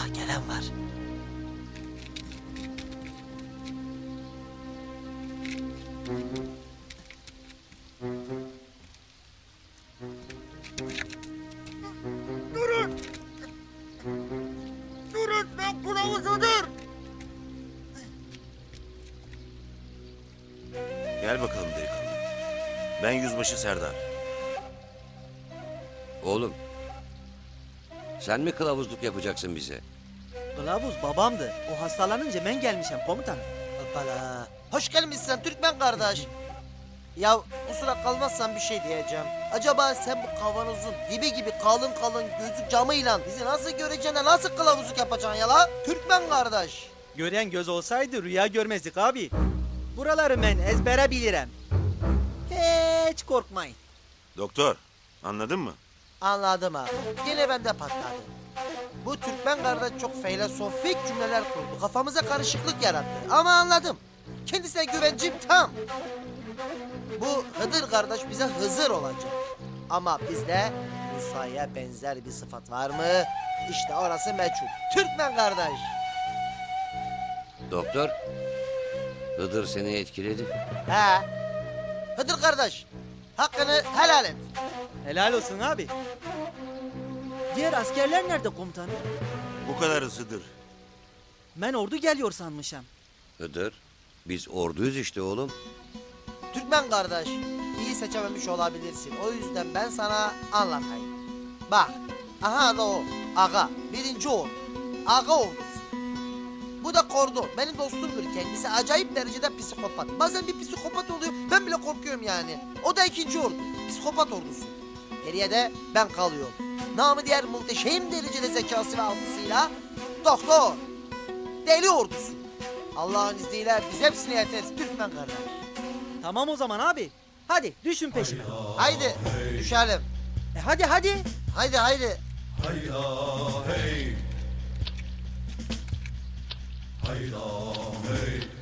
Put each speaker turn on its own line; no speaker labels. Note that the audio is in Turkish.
gelen var.
Durun! Durun, ben kılavuzudur!
Gel bakalım delikanlı. Ben Yüzbaşı Serdar.
Oğlum, sen mi kılavuzluk yapacaksın bize?
Kılavuz babamdı. O hastalanınca ben gelmişim komutanım.
Hoppala. Hoş gelmişsin Türkmen kardeş. Ya kusura kalmazsan bir şey diyeceğim. Acaba sen bu kavanozun dibi gibi kalın kalın gözlük camıyla bizi nasıl göreceksin de nasıl kılavuzluk yapacaksın ya la? Türkmen kardeş.
Gören göz olsaydı rüya görmezdik abi. Buraları ben ezbere bilirim. Hiç korkmayın.
Doktor, anladın mı?
Anladım abi. Yine bende patladı. Bu Türkmen kardeş çok filozofik cümleler kurdu. Kafamıza karışıklık yarattı. Ama anladım. Kendisine güvencim tam. Bu Hıdır kardeş bize Hızır olacak. Ama bizde Musa'ya benzer bir sıfat var mı? İşte orası meçhul. Türkmen kardeş.
Doktor, Hıdır seni etkiledi.
He. Hıdır kardeş. Hakkını helal et.
Helal olsun abi. Diğer askerler nerede komutanım?
Bu kadar hızlıdır.
Ben ordu geliyor sanmışım.
Hıdır, biz orduyuz işte oğlum.
Türkmen kardeş, iyi seçememiş olabilirsin. O yüzden ben sana anlatayım. Bak, aha da o, aga, birinci ordu. Aga ordusu. Bu da Kordon, benim dostumdur kendisi. Acayip derecede psikopat. Bazen bir psikopat oluyor, ben bile korkuyorum yani. O da ikinci ordu, psikopat ordusu. Geriye de ben kalıyorum. Namı diğer muhteşem derecede zekası ve algısıyla doktor, deli ordusu. Allah'ın izniyle biz hepsine yeteriz Türkmen kardeş.
Tamam o zaman abi. Hadi düşün peşime.
Haydi düşelim.
Hadi hadi.
Haydi haydi.
Hayda hey. Hayda hey.